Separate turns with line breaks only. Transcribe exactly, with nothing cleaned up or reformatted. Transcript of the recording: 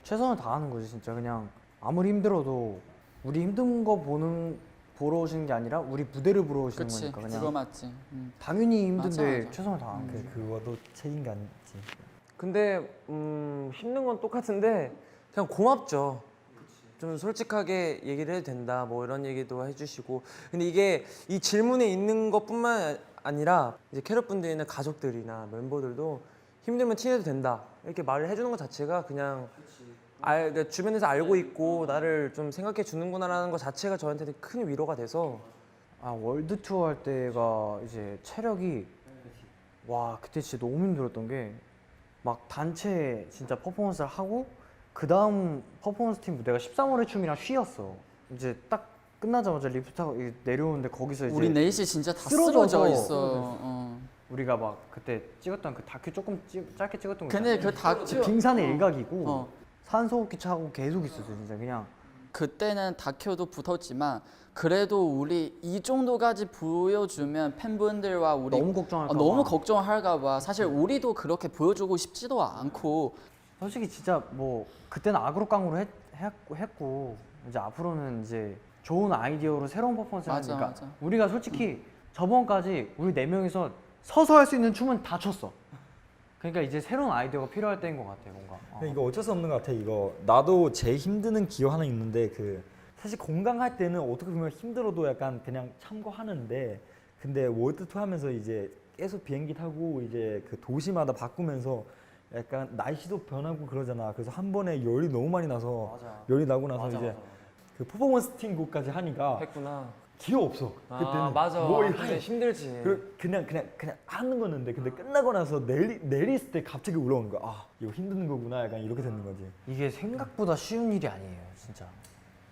최선을 다하는 거지 진짜. 그냥 아무리 힘들어도 우리 힘든 거 보는 보러 오시는 게 아니라 우리 무대를 보러 오시는
그치,
거니까 그냥
그거 맞지. 음.
당연히 힘든데
맞아, 맞아.
최선을 다하는 거지.
그, 그거도 책임감이지.
근데 음, 힘든 건 똑같은데 그냥 고맙죠. 좀 솔직하게 얘기를 해도 된다 뭐 이런 얘기도 해주시고. 근데 이게 이 질문에 있는 것뿐만 아니라 이제 캐럿 분들이나 가족들이나 멤버들도 힘들면 티내도 된다 이렇게 말을 해주는 것 자체가 그냥 알, 그러니까 주변에서 알고 있고 나를 좀 생각해 주는구나라는 것 자체가 저한테는 큰 위로가 돼서.
아 월드 투어 할 때가 이제 체력이 와 그때 진짜 너무 힘들었던 게 막 단체 진짜 퍼포먼스를 하고 그 다음 퍼포먼스 팀 무대가 십삼 월의 춤이랑 쉬었어. 이제 딱 끝나자마자 리프트 타고 이제 내려오는데 거기서 이제
우리 넷이 진짜 다
쓰러져서
쓰러져 있어.
쓰러졌어.
어.
우리가 막 그때 찍었던 그 다큐 조금 찍, 짧게 찍었던 거
근데
있잖아.
그 다큐
빙산의 일각이고
어.
산소호흡기 차고 계속 있었어 진짜. 그냥
그때는 다큐도 붙었지만 그래도 우리 이 정도까지 보여주면 팬분들과 우리
너무 걱정할까
어, 너무
봐.
걱정할까 봐. 사실 우리도 그렇게 보여주고 싶지도 않고.
솔직히 진짜 뭐 그때는 악으로 깡으로 했, 했고, 했고 이제 앞으로는 이제 좋은 아이디어로 새로운 퍼포먼스를
맞아,
하니까
맞아.
우리가 솔직히 저번까지 우리 네 명이서 서서 할 수 있는 춤은 다 췄어. 그러니까 이제 새로운 아이디어가 필요할 때인 것 같아 뭔가. 어.
근데 이거 어쩔 수 없는 것 같아. 이거 나도 제일 힘드는 기호 하나 있는데 그 사실 건강할 때는 어떻게 보면 힘들어도 약간 그냥 참고하는데 근데 월드 투어 하면서 이제 계속 비행기 타고 이제 그 도시마다 바꾸면서 약간 날씨도 변하고 그러잖아. 그래서 한 번에 열이 너무 많이 나서
맞아.
열이 나고 나서
맞아,
이제
맞아.
그 퍼포먼스 팀 곡까지 하니까
했구나.
기회 없어.
아
그때는
맞아.
뭐
근데
하니-
힘들지.
그 그냥 그냥 그냥 하는 거였는데 근데 끝나고 나서 내리 내리을 때 갑자기 올라오는 거야. 아 이거 힘든 거구나. 약간 이렇게 되는 거지.
이게 생각보다 쉬운 일이 아니에요 진짜.